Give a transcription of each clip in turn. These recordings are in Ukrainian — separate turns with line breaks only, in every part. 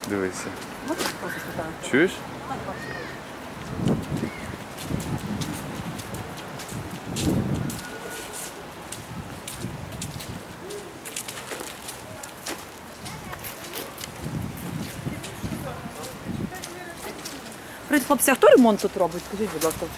Дивися.
Можеш просто спитаю?
Чуєш?
Привіт, хлопці, а хто ремонт тут робить? Скажіть, будь ласка,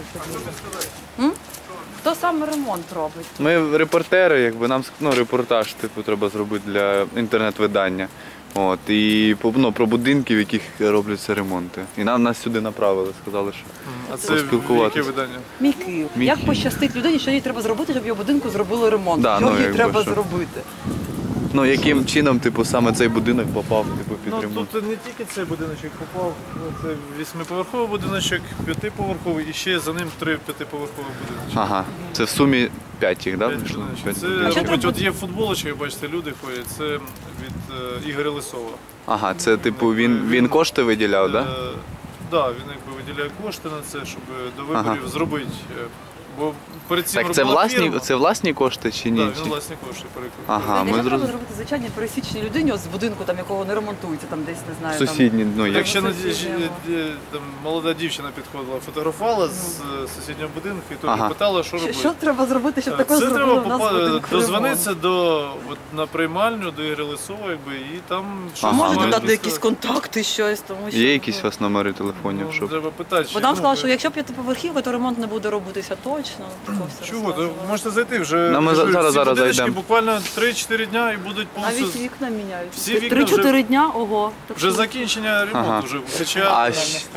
це. Хто саме ремонт робить?
Ми репортери, якби нам репортаж треба зробити для інтернет-видання. От, і про будинки, в яких робляться ремонти. І нас сюди направили, сказали, що
А це яке видання?
Мій Київ.
Мій
Як
Київ.
пощастить людині, що їй треба зробити, щоб його будинку зробили ремонт?
Да,
що їй
якби
треба
що.
зробити?
Яким чином саме цей будинок попав під
Ну,
ремонт?
тут не тільки цей будиночок попав, це 8-поверховий будиночок, 5-поверховий і ще за ним 3 5-поверхові будиночки.
Ага, це в сумі 5 їх, так? Да?
5
вийшло?
будиночків.
П'ять
Це
будиночків.
робить, от є футболочки, бачите, люди ходять, це від Ігоря Лисова.
Ага, це він кошти виділяв, так? Да?
Так, він якби виділяє кошти на це, щоб до виборів зробити. Бо перед цим
Так, це
робила фірма.
власні кошти чи ні?
Так, він власні кошти перекупив.
Ага, ми
Що треба
зрозуміли.
зробити звичайній пересічній людині з будинку, якого не ремонтується, там десь, не знаю.
Сусідні,
Так ще
сусіднього.
там молода дівчина підходила, фотографувала з сусіднього будинку і теж питала, що робити.
Що треба зробити, щоб такого
Це
зробили
треба
в нас в будинку
дозвонитися на приймальню до Ігоря Лисова, якби, і там щось
Ага,
Можете
мають
дати якісь
сказати.
контакти, щось, тому що...
Є якісь у вас номери телефонів,
Ну,
щоб...
треба питати.
Бо нам сказали, що якщо п'ятиповерхівка, то ремонт не буде робитися точно. Такого все
Чого? То
розказували.
можете зайти вже.
Ну, ми
кажу,
зараз
ці будиночки
зайдемо.
Буквально 3-4 дня і будуть повністю.
Навіть вікна міняють.
Всі вікна
3-4 дня, ого. Так
Вже
що-
закінчення ремонту
Ага.
вже. Хоча
А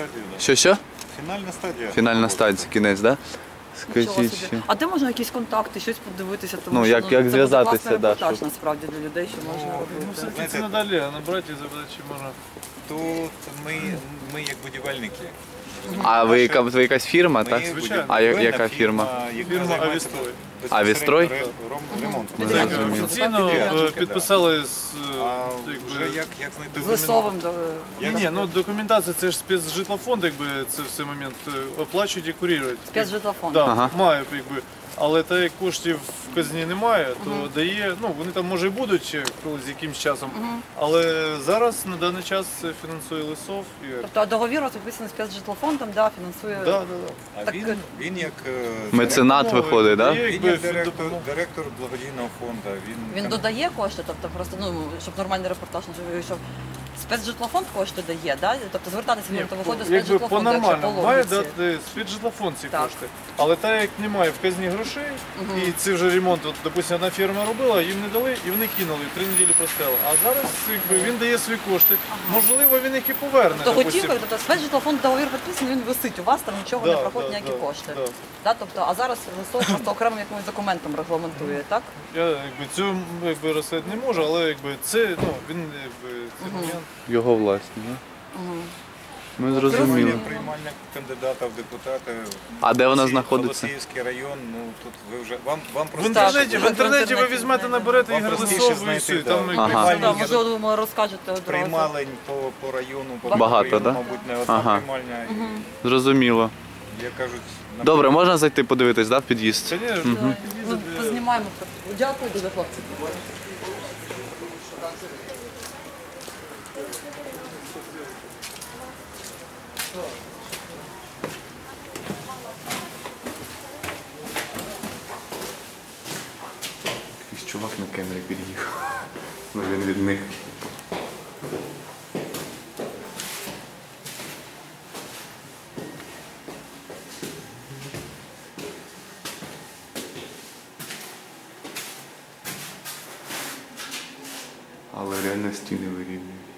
що?
Фінальна стадія.
Фінальна стадія, кінець, так?
Нічого
Скажіть
собі.
ще.
А де можна якісь контакти, щось подивитися? Тому
Ну,
що,
як
це буде
зв'язатися,
класний
да,
репортаж,
щоб-
насправді, для людей, що можна
ну,
робити.
все-таки це надалі, а набрати і запитати, чи можна.
Тут ми як будівельники.
А ви якась фірма,
Ми
так?
Звичайно.
А яка фірма?
яка
Фірма
займається
«Авістрой».
«Авістрой»?
Ремонтом.
Ми
Так,
зрозуміли.
офіційно
Підрядчики,
підписали з
А
якби,
вже як знайти
З Лисовим.
Ні, ну документація, це ж спецжитлофонд, якби це все момент оплачують і курірують.
Спецжитлофонд.
Да,
Ага.
має, якби. Але так як коштів в казні немає, то дає, ну вони там може і будуть ще колись якимсь часом. Але зараз на даний час це фінансує Лисов і
Тобто договір у вас підписаний спецжитлофондом, да, фінансує.
да.
А
Так,
він як
Меценат виходить, так?
Дає,
він
якби,
як директор благодійного фонду.
Він додає кошти, тобто просто, ну, щоб нормальний репортаж не вийшов. Спецжитлофонд кошти дає, да? Тобто звертатися
Ні,
то виходить
якби
спецжитлофонд, якщо по
по-нормальному має
логіці.
дати спецжитлофонд ці
Так.
кошти. Але так як немає в казні грошей, і це вже ремонт, от, допустим, одна фірма робила, їм не дали, і вони кинули, 3 неділі простили. А зараз якби, він дає свої кошти. Можливо, він їх і поверне.
То
допустим.
готівка, тобто спецжитлофонд договір підписаний, він висить, у вас там нічого не проходить, ніякі кошти.
да.
Да, тобто, а зараз Лисов просто окремим якимось документом регламентує, так?
Я якби, цю розслідувати не можу, але якби, це, ну, він якби, це момент.
Його власні, так? Ми зрозуміли.
Приймальня кандидата в депутати.
А де вона знаходиться?
Голосіївський район, ну тут ви вже вам
В
просто
інтернеті,
в інтернеті
ви візьмете, наберете
Вам
Ігор
простіше
Лисов і
знайти,
все.
да.
Там
Ага.
приймальні
Да,
є.
можливо, ви розкажете одразу.
приймалень по району, по
Багато,
району,
да?
мабуть, не одна
Ага.
приймальня.
Зрозуміло.
І, як кажуть,
Добре, можна зайти подивитись, так, під'їзд?
Конечно.
Ну, познімаємо. Дякую дуже, хлопці.
Якийсь чувак на камері під'їхав. Ну він від них. Але реально стіни вирівнюють.